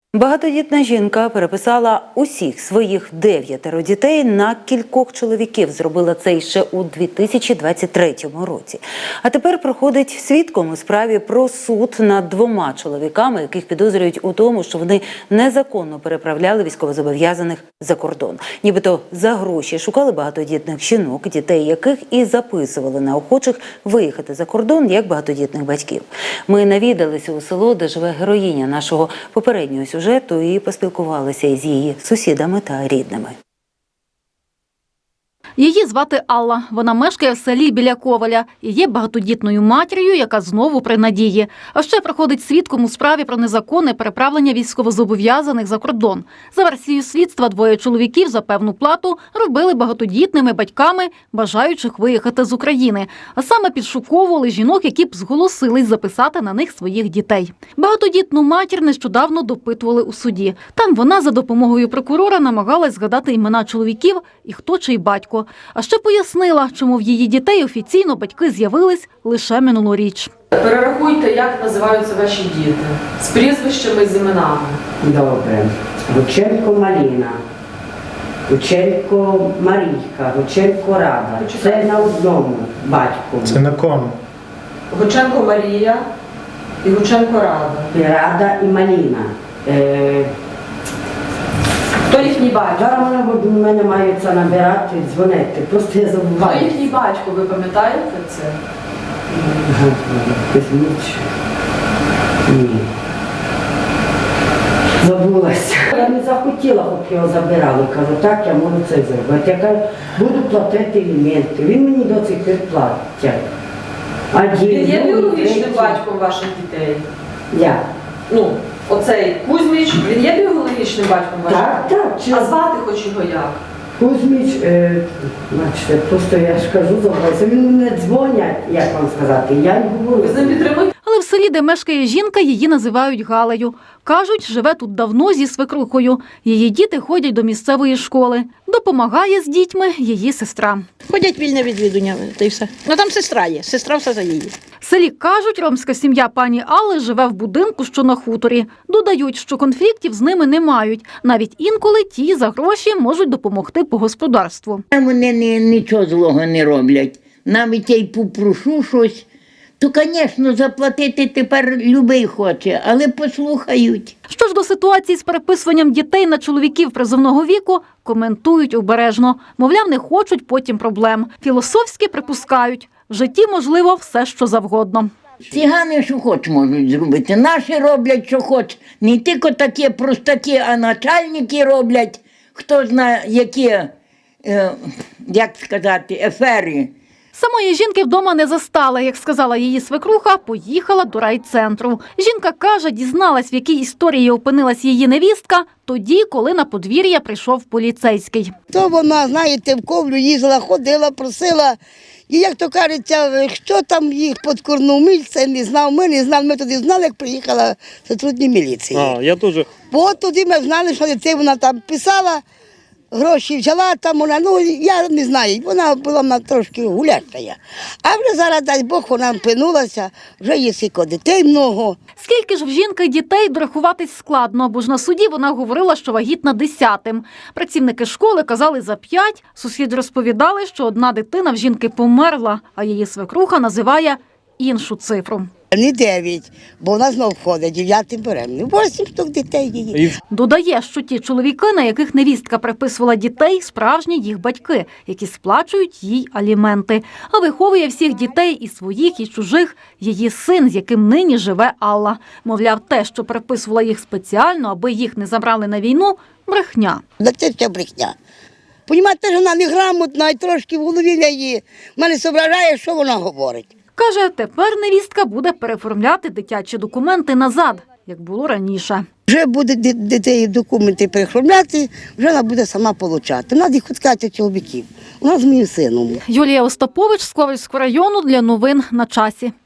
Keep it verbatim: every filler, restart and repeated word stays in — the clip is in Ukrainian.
Багатодітна жінка переписала усіх своїх дев'ятеро дітей на кількох чоловіків. Зробила це ще у дві тисячі двадцять третьому році. А тепер проходить свідком у справі про суд над двома чоловіками, яких підозрюють у тому, що вони незаконно переправляли військовозобов'язаних за кордон. Нібито за гроші шукали багатодітних жінок, дітей яких і записували на охочих виїхати за кордон як багатодітних батьків. Ми навідалися у село, де живе героїня нашого попереднього сюжету, сюжету і поспілкувалися із її сусідами та рідними. Її звати Алла. Вона мешкає в селі біля Коваля і є багатодітною матір'ю, яка знову при надії. А ще проходить свідком у справі про незаконне переправлення військовозобов'язаних за кордон. За версією слідства, двоє чоловіків за певну плату робили багатодітними батьками, бажаючих виїхати з України. А саме підшуковували жінок, які б зголосились записати на них своїх дітей. Багатодітну матір нещодавно допитували у суді. Там вона за допомогою прокурора намагалась згадати імена чоловіків і хто чий батько. А ще пояснила, чому в її дітей офіційно батьки з'явились лише минулоріч. Перерахуйте, як називаються ваші діти, з прізвищами, з іменами. Добре. Гученко Маліна, Гученко Марійка, Гученко Рада. Це на одному батьку. Це на кому? Гученко Марія і Гученко Рада. І Рада і Маліна. Е... Хто їхній батько? Зараз вони в мене мають це набирати, дзвонити. Просто я забуваю. Хто їхній батько, ви пам'ятаєте це? Кузьміч. Ні. Забулася. Я не захотіла, щоб його забирали. Кажу, так, я можу це зробити. Я кажу, буду платити аліменти. Він мені до цих пір платить. Він є біологічним батьком ваших дітей? Я. Ну, оцей Кузьміч, він є біологічним батьком ваших Так, дітей? так. Чи... А звати хоч його як? Кузьміч, е, бачите, просто я ж кажу, забуваюся. Він не дзвонять, як вам сказати, я й говорю. Ви з ним підтримуєте? Але в селі, де мешкає жінка, її називають Галею. Кажуть, живе тут давно зі свекрухою. Її діти ходять до місцевої школи. Допомагає з дітьми її сестра. Ходять вільне відвідування, та й все. Ну там сестра є, сестра все за її. В селі кажуть, ромська сім'я пані Алли живе в будинку, що на хуторі. Додають, що конфліктів з ними не мають. Навіть інколи ті за гроші можуть допомогти по господарству. Вони ні, нічого злого не роблять. Навіть я й попрошу щось, то, звісно, заплатити тепер любий хоче, але послухають. Що ж до ситуації з переписуванням дітей на чоловіків призовного віку, коментують обережно. Мовляв, не хочуть потім проблем. Філософськи припускають, в житті можливо все, що завгодно. Цигани що хоч можуть зробити. Наші роблять, що хоч. Не тільки такі простаки, а начальники роблять, хто знає, які, е, як сказати, ефери. Самої жінки вдома не застала. Як сказала її свекруха, поїхала до райцентру. Жінка каже, дізналась, в якій історії опинилась її невістка, тоді, коли на подвір'я прийшов поліцейський. То вона, знаєте, в Ковлю їздила, ходила, просила. І, як то кажеться, що там їх підкорнув, ми це не знав, ми не знали. Ми тоді знали, як приїхала сотрудні міліції. А, я теж. Бо тоді ми знали, що дитина вона там писала, гроші взяла, там вона, ну, я не знаю, вона була вона трошки гуляща. А вже зараз, дай Бог, вона пинулася, вже є скільки дітей много. Скільки ж в жінки дітей, дорахуватись складно, бо ж на суді вона говорила, що вагітна десятим. Працівники школи казали за п'ять, сусіди розповідали, що одна дитина в жінки померла, а її свекруха називає іншу цифру. Не дев'ять, бо вона знов входить, дев'ятим беременним. Восім штук дітей її. Додає, що ті чоловіки, на яких невістка приписувала дітей, справжні їх батьки, які сплачують їй аліменти. А виховує всіх дітей, і своїх, і чужих, її син, з яким нині живе Алла. Мовляв, те, що приписувала їх спеціально, аби їх не забрали на війну – брехня. Да це все брехня. Понімаєте, що вона неграмотна і трошки в голові її. Мене зображає, що вона говорить. Каже, тепер невістка буде переоформляти дитячі документи назад, як було раніше. Вже буде дітей документи переоформляти, вже вона буде сама отримати. Вона їх відкати чоловіків. Вона з моїм сином. Юлія Остапович з Ковальського району для новин на часі.